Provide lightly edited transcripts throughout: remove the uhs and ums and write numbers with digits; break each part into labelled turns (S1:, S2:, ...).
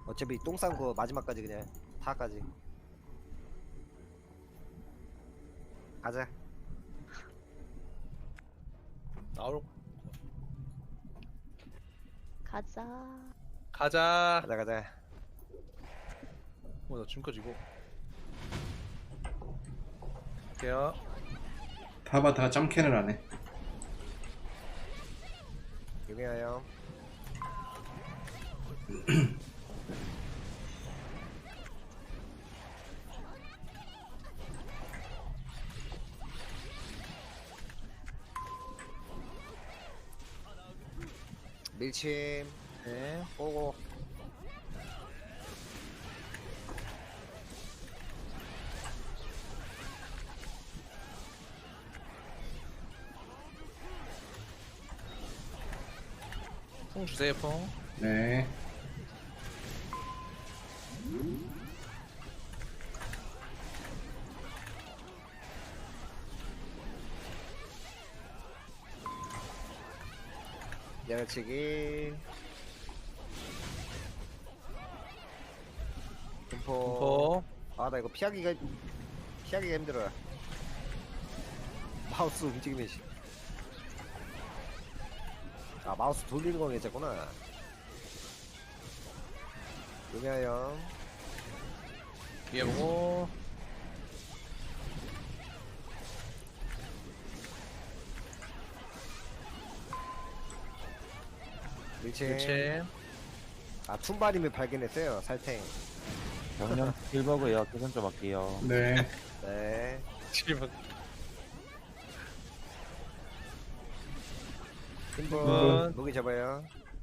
S1: 어차피 똥 싼 거 마지막까지 그냥 다까지 가자.
S2: 나올
S3: 가자.
S2: 가자.
S1: 가자 가자.
S2: 나 지금까지 이거 할게요.
S4: 타바타가 점캔을 안해.
S1: 유명해요. 밀침
S2: 네.
S1: 오고.
S2: 풍 주세요 풍.
S4: 네.
S1: 내려치기. 분포.
S2: 공포.
S1: 아 나 이거 피하기가 힘들어요. 마우스 움직임이 아 마우스 돌리는 거 괜찮구나. 유명해요.
S2: 위에 보고.
S1: 밀침.
S2: 그렇지.
S1: 아 툰바님을 발견했어요. 살탱.
S5: 영영 빌버그요. 계산 좀 할게요.
S4: 네.
S1: 네.
S2: 지금
S1: 흰분 무기 잡아요.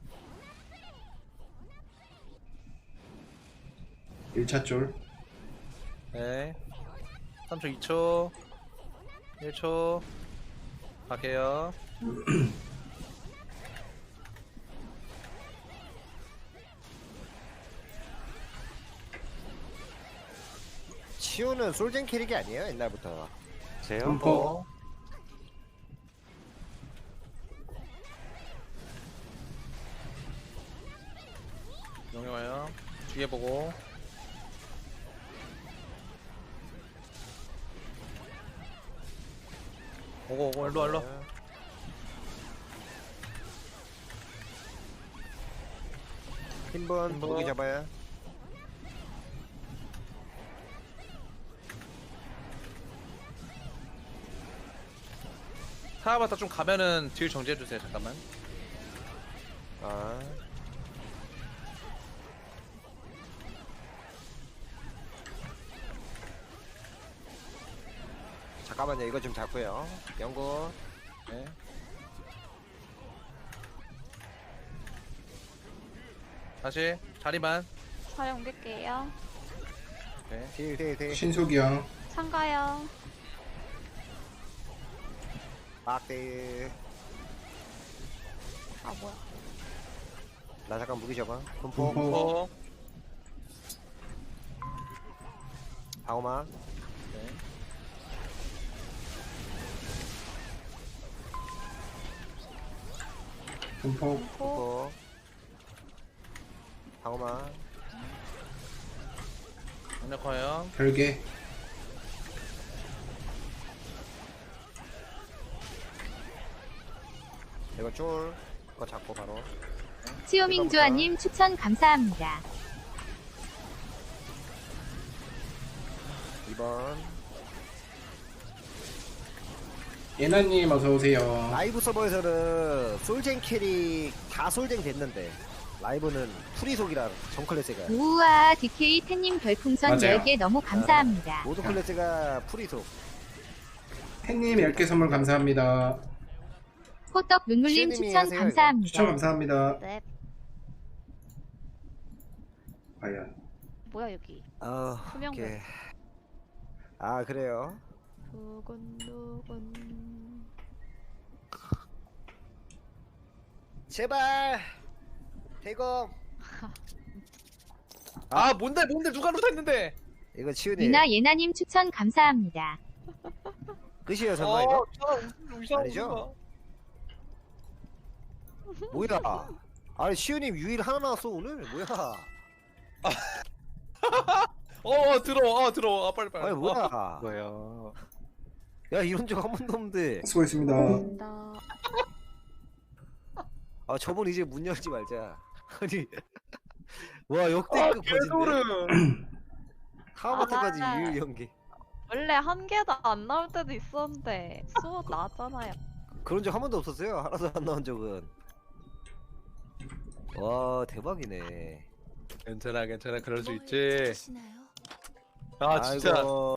S4: 1차 쫄.
S2: 네. 3초 2초 1초 갈게요.
S1: 치우는 솔젠 캐릭이 아니에요 옛날부터.
S5: 제요?
S4: 점포.
S2: 용용해요. 뒤에 보고. 오고 오고 일로 와 일로.
S1: 흰분
S2: 흰분.
S1: 무기 잡아요.
S2: 타바타 좀 가면은 딜 정지해 주세요. 잠깐만.
S1: 아. 잠깐만요. 이거 좀 잡고요. 연구.
S2: 네. 다시 자리만.
S3: 사용 옮길게요.
S2: 네.
S1: 딜.
S4: 신속이요.
S3: 참가요.
S1: 막딜.
S3: 아 뭐야.
S1: 나 잠깐 무기 잡아. 분포.
S4: 분포.
S2: 어.
S1: 방어막.
S2: 네.
S4: 분포.
S3: 코.
S1: 분포. 방어막.
S2: 강력화요.
S4: 별개.
S1: 이거 쫄. 이거 잡고 바로.
S6: 치오밍주아님 추천 감사합니다.
S1: 2번.
S4: 예나님 어서오세요.
S1: 라이브 서버에서는 솔젠 캐릭 다 솔젠 됐는데 라이브는 프리속이라 전 클래스가
S6: 우와 DK 태님 별풍선
S4: 맞아요.
S6: 10개 너무 감사합니다.
S1: 모든 클래스가 프리속.
S4: 팬님 10개 선물 감사합니다.
S6: 호떡 눈물님
S1: 시우님이
S6: 추천
S1: 하세요,
S6: 감사합니다.
S4: 추천 감사합니다.
S3: 네.
S4: 과연.
S3: 뭐야 여기.
S1: 오케이.
S3: 투명면.
S1: 아 그래요.
S3: 두근두근.
S1: 제발 대검.
S2: 아 뭔데 누가 루타 했는데?
S1: 이거 치우니
S6: 유나 예나님 추천 감사합니다.
S1: 끝이에요 설마 이거?
S2: 이상한
S1: 아니죠? 뭐야? 아니 시우님 유일 하나 나왔어 오늘 뭐야?
S2: 들어와. 빨리.
S1: 아니 뭐야?
S2: 뭐야?
S1: 야 이런 적 한 번도 없는데.
S4: 수고했습니다.
S3: 나
S1: 아 저번 이제 문 열지 말자. 아니 와 역대급 거진데.
S2: 개소름.
S1: 다음부터까지
S3: 아.
S1: 유유 연기.
S3: 원래 한 개도 안 나올 때도 있었는데 수업 나왔잖아요.
S1: 그런 적 한 번도 없었어요. 하나도 안 나온 적은. 와 대박이네.
S2: 괜찮아. 그럴 수 있지. 아 진짜.
S1: 아이고.